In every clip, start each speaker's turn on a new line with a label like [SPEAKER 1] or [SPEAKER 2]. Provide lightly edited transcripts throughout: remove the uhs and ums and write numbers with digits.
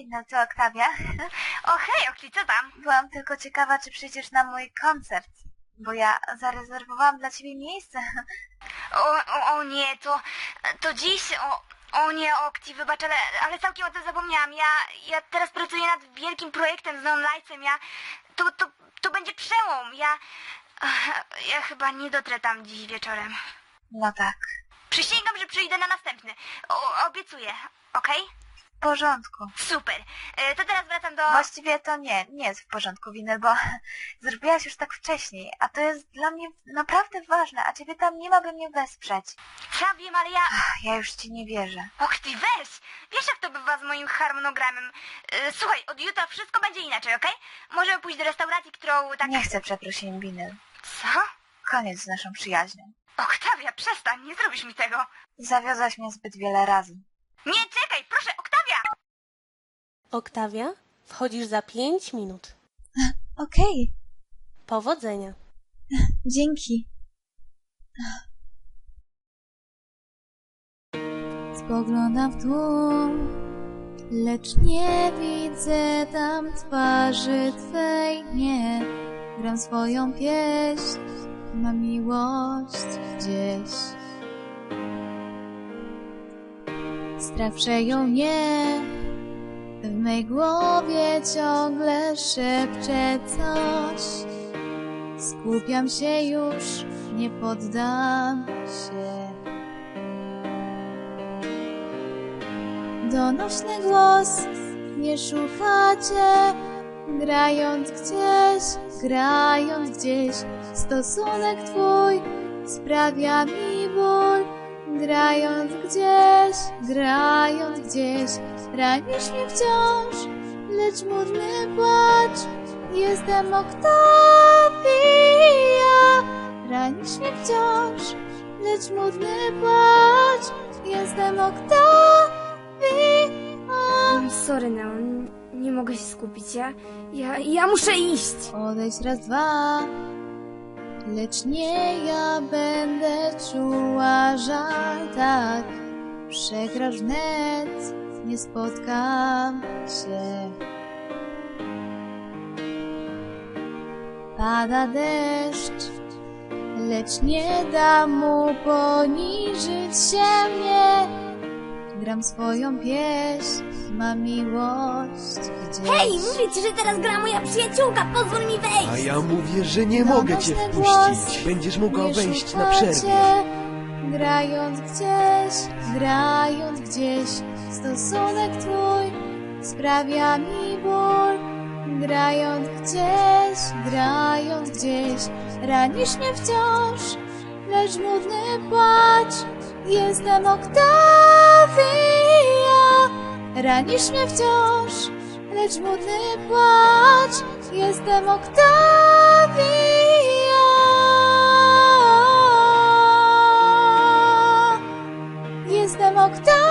[SPEAKER 1] no to Oktawia.
[SPEAKER 2] O hej, Okti, co tam?
[SPEAKER 1] Byłam tylko ciekawa, czy przyjdziesz na mój koncert, bo ja zarezerwowałam dla ciebie miejsce.
[SPEAKER 2] O nie, to dziś... O nie, Okti, wybacz, ale całkiem o tym zapomniałam. Ja teraz pracuję nad wielkim projektem z Neon Lightsem. To będzie przełom. Ja chyba nie dotrę tam dziś wieczorem.
[SPEAKER 1] No tak.
[SPEAKER 2] Przysięgam, że przyjdę na następny. Obiecuję, okej?
[SPEAKER 1] W porządku.
[SPEAKER 2] Super. To teraz wracam do...
[SPEAKER 1] Właściwie to nie jest w porządku, Winel, bo zrobiłaś już tak wcześniej, a to jest dla mnie naprawdę ważne, a ciebie tam nie ma, by mnie wesprzeć.
[SPEAKER 2] Ja wiem, ale
[SPEAKER 1] Ja już ci nie wierzę.
[SPEAKER 2] Och ty, weź! Wiesz, jak to bywa z moim harmonogramem. Słuchaj, od jutra wszystko będzie inaczej, okej? Możemy pójść do restauracji, którą tak...
[SPEAKER 1] Nie chcę przeprosin, Winel.
[SPEAKER 2] Co?
[SPEAKER 1] Koniec z naszą przyjaźnią.
[SPEAKER 2] Oktawia, przestań, nie zrobisz mi tego.
[SPEAKER 1] Zawiodłaś mnie zbyt wiele razy.
[SPEAKER 2] Nie, czekaj, proszę, Oktawia!
[SPEAKER 3] Oktawia, wchodzisz za 5 minut.
[SPEAKER 1] Okej.
[SPEAKER 3] Powodzenia.
[SPEAKER 1] Dzięki. Spoglądam w dół, lecz nie widzę tam twarzy twej, nie. Gram swoją pieśń, mam miłość gdzieś. Strach przejął mnie, w mej głowie ciągle szepcze coś. Skupiam się już, nie poddam się. Donośny głos, nie szukacie, grając gdzieś. Stosunek twój sprawia mi ból, grając gdzieś. Ranisz mnie wciąż, lecz murny płacz. Jestem Oktawia. Ranisz mnie wciąż, lecz murny płacz. Jestem Oktawia.
[SPEAKER 2] Sorry, Neon, nie mogę się skupić. Ja muszę iść.
[SPEAKER 1] Odejdź raz, dwa, lecz nie ja będę czuła żal, tak. Przegrasz wnet, nie spotkam się. Pada deszcz, lecz nie dam mu poniżyć się mnie. Gram swoją pieśń, mam miłość gdzieś.
[SPEAKER 2] Hej, mówię ci, że teraz gra moja przyjaciółka, pozwól mi wejść.
[SPEAKER 4] A ja mówię, że nie mogę cię wpuścić. Będziesz mogła wejść na przerwie.
[SPEAKER 1] Grając gdzieś, stosunek twój sprawia mi ból. Grając gdzieś, ranisz mnie wciąż, lecz nudny płacz. Jestem Oktawia. Ranisz mnie wciąż, lecz nudny płacz. Jestem Oktawia. Jestem Oktawia.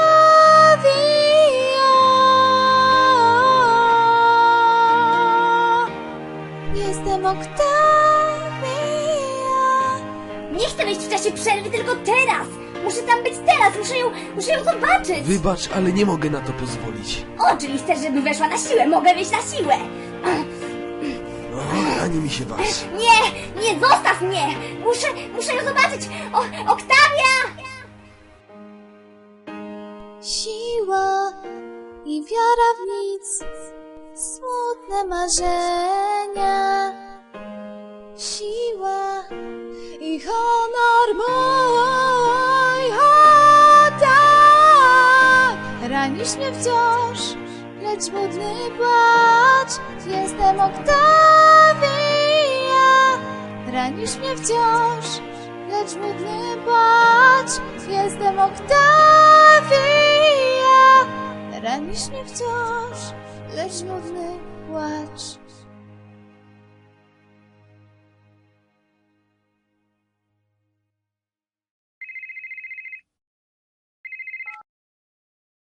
[SPEAKER 1] Jestem Oktawia.
[SPEAKER 2] Nie chcę wejść w czasie przerwy, tylko teraz. Muszę tam być teraz, muszę ją zobaczyć.
[SPEAKER 4] Wybacz, ale nie mogę na to pozwolić.
[SPEAKER 2] O, czyli chcesz, żeby weszła na siłę? Mogę wejść na siłę.
[SPEAKER 4] No, ani mi się waż.
[SPEAKER 2] Nie, zostaw mnie. Muszę ją zobaczyć. Oktawia!
[SPEAKER 1] Siła i wiara w nic, smutne marzenia. Siła i honor mój, o tak. Ranisz mnie wciąż, lecz budny płacz. Jestem Oktawia. Ranisz mnie wciąż, lecz budny płacz. Jestem Oktawia. Ranisz mnie wciąż, lecz nudny płacz.